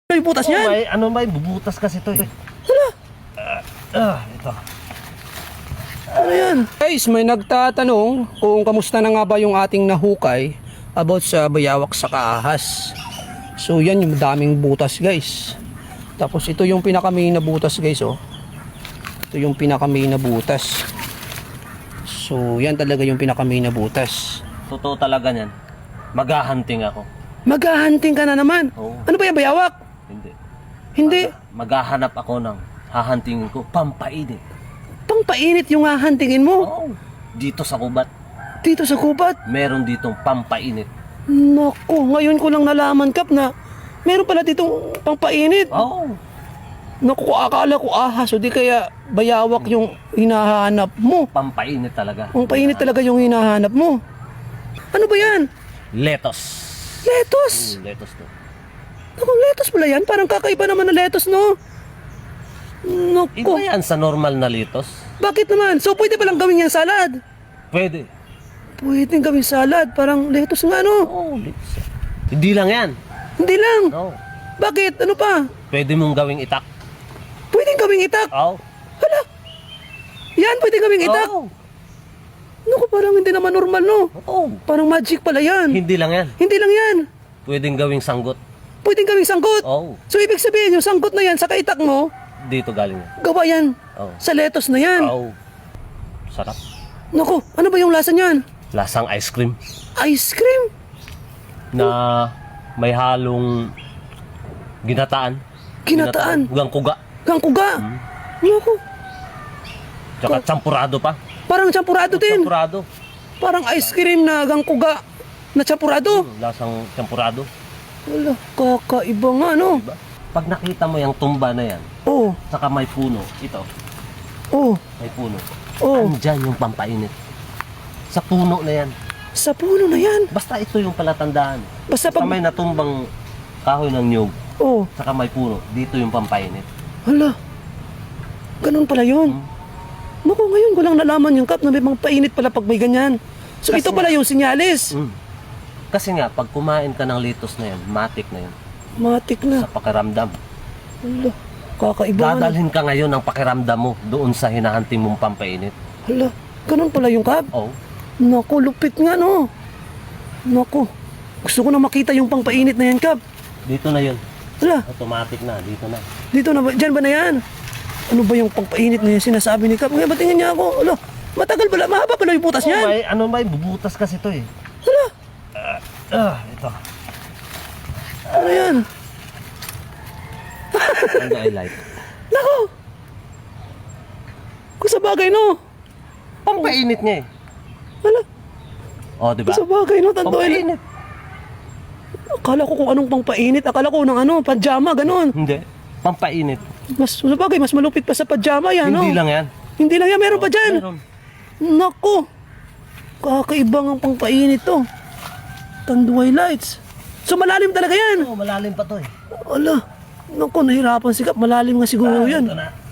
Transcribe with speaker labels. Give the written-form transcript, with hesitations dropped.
Speaker 1: May butas niyan.
Speaker 2: May, ano may bubutas kasi to eh.
Speaker 1: Hala.
Speaker 2: Ito.
Speaker 1: Ano yan? Guys, may nagtatanong kung kamusta na nga ba yung ating nahukay about sa bayawak sa kaahas. So yan yung daming butas guys. Tapos ito yung pinaka-main na butas guys oh. Ito yung pinaka-main na butas. So yan talaga yung pinaka-main na butas.
Speaker 2: Totoo talaga niyan. Maghahunting ako.
Speaker 1: Maghahunting ka na naman.
Speaker 2: Oo.
Speaker 1: Ano ba yung bayawak?
Speaker 2: Hindi.
Speaker 1: Hindi.
Speaker 2: Maghahanap ako ng hahuntingin ko, pampainit.
Speaker 1: Pangpainit yung hahuntingin mo.
Speaker 2: Oo. Dito sa kubat,
Speaker 1: Dito sa kubat.
Speaker 2: meron ditong pampainit.
Speaker 1: Naku, ngayon ko lang nalaman Kap na meron pala ditong pangpainit.
Speaker 2: Oo.
Speaker 1: Naku, akala ko ahas o di kaya bayawak yung hinahanap mo.
Speaker 2: Pampainit talaga.
Speaker 1: Ang painit talaga yung hinahanap mo. Ano ba yan?
Speaker 2: Lettuce.
Speaker 1: Lettuce.
Speaker 2: Lettuce to.
Speaker 1: Naku, lettuce pala yan. Parang kakaiba naman ng lettuce, no?
Speaker 2: Iba
Speaker 1: Naku,
Speaker 2: yan sa normal na lettuce.
Speaker 1: bakit naman? So, pwede palang gawin yan salad?
Speaker 2: Pwede.
Speaker 1: Pwede gawin salad. Parang lettuce nga, no?
Speaker 2: Oo, lettuce. Hindi lang yan.
Speaker 1: Hindi lang.
Speaker 2: No.
Speaker 1: Bakit? Ano pa?
Speaker 2: Pwede mong gawing itak.
Speaker 1: Pwede gawing itak.
Speaker 2: Oo.
Speaker 1: Hala. Yan, pwede gawing itak.
Speaker 2: Oo.
Speaker 1: Naku, parang hindi naman normal, no?
Speaker 2: Oo.
Speaker 1: Parang magic pala yan.
Speaker 2: Hindi lang yan.
Speaker 1: Hindi lang yan.
Speaker 2: Pwedeng gawing sanggot.
Speaker 1: Pwedeng gawing sangkot.
Speaker 2: Oo.
Speaker 1: So, ibig sabihin, yung sangkot na yan sa kaitak mo,
Speaker 2: Dito galing yan.
Speaker 1: gawa yan
Speaker 2: Oo.
Speaker 1: sa lettuce na yan.
Speaker 2: Oo. Sarap.
Speaker 1: Naku, ano ba yung lasa niyan?
Speaker 2: Lasang ice cream
Speaker 1: Ice cream?
Speaker 2: na may halong ginataan.
Speaker 1: Ginataan?
Speaker 2: Gangkuga.
Speaker 1: Gangkuga? Naku,
Speaker 2: Tsaka champurado pa.
Speaker 1: parang champurado din.
Speaker 2: Champurado.
Speaker 1: Parang ice cream na gangkuga na champurado.
Speaker 2: Lasang champurado.
Speaker 1: Wala, kakaiba nga, no?
Speaker 2: Diba? Pag nakita mo yung tumba na yan,
Speaker 1: Oh,
Speaker 2: saka may puno, ito,
Speaker 1: oh,
Speaker 2: may puno.
Speaker 1: oh.
Speaker 2: Andyan yung pampainit. Sa puno na yan.
Speaker 1: Sa puno na yan.
Speaker 2: Basta ito yung palatandaan.
Speaker 1: Basta
Speaker 2: Sa
Speaker 1: pag...
Speaker 2: may natumbang kahoy ng nyug,
Speaker 1: Oh,
Speaker 2: saka may puno, dito yung pampainit.
Speaker 1: hala. Ganun pala yun. Naku, ngayon ko lang nalaman yung Kap na may mga painit pala pag may ganyan. So,
Speaker 2: Kasi
Speaker 1: ito pala yung sinyalis.
Speaker 2: Kasi nga, pag kumain ka ng lettuce na yan, matik na yan.
Speaker 1: Matik na.
Speaker 2: Sa pakiramdam.
Speaker 1: Hala, kakaiba nga.
Speaker 2: Dadalhin ka ngayon ng pakiramdam mo doon sa hinahanting mong pampainit.
Speaker 1: Hala, ganun pala yung Kap.
Speaker 2: Oh,
Speaker 1: Naku, lupit nga, no? Naku, gusto ko na makita yung pangpainit na yan, Kap.
Speaker 2: dito na yun.
Speaker 1: Hala,
Speaker 2: Automatic na, dito na.
Speaker 1: dito na ba? Diyan ba na yan? Ano ba yung pangpainit na yan sinasabi ni Kap? Ngayon, ba't tingin niya ako? Hala, matagal pala, mahaba pala yung butas niyan.
Speaker 2: May bubutas kasi to eh.
Speaker 1: Hala,
Speaker 2: Ito.
Speaker 1: ano yan?
Speaker 2: Ano I like?
Speaker 1: Naku! Kung sa bagay, no?
Speaker 2: Pampainit niya eh.
Speaker 1: Hala,
Speaker 2: Oh, di ba?
Speaker 1: kung sa bagay, no? Tanto,
Speaker 2: Pampainit.
Speaker 1: akala ko kung anong pangpainit. Akala ko ng ano, pajama, ganun.
Speaker 2: Hindi. Pampainit.
Speaker 1: Mas, sa bagay, mas malupit pa sa pajama yan, no?
Speaker 2: Hindi lang yan.
Speaker 1: Hindi lang yan, meron pa dyan.
Speaker 2: Meron.
Speaker 1: Naku! Kakaibang ang pangpainit to. Tanduay lights. So malalim talaga yan.
Speaker 2: Oh, malalim pa to eh.
Speaker 1: Ala, naku, nahirapan si Kap. Malalim nga siguro yan.
Speaker 2: Ito na.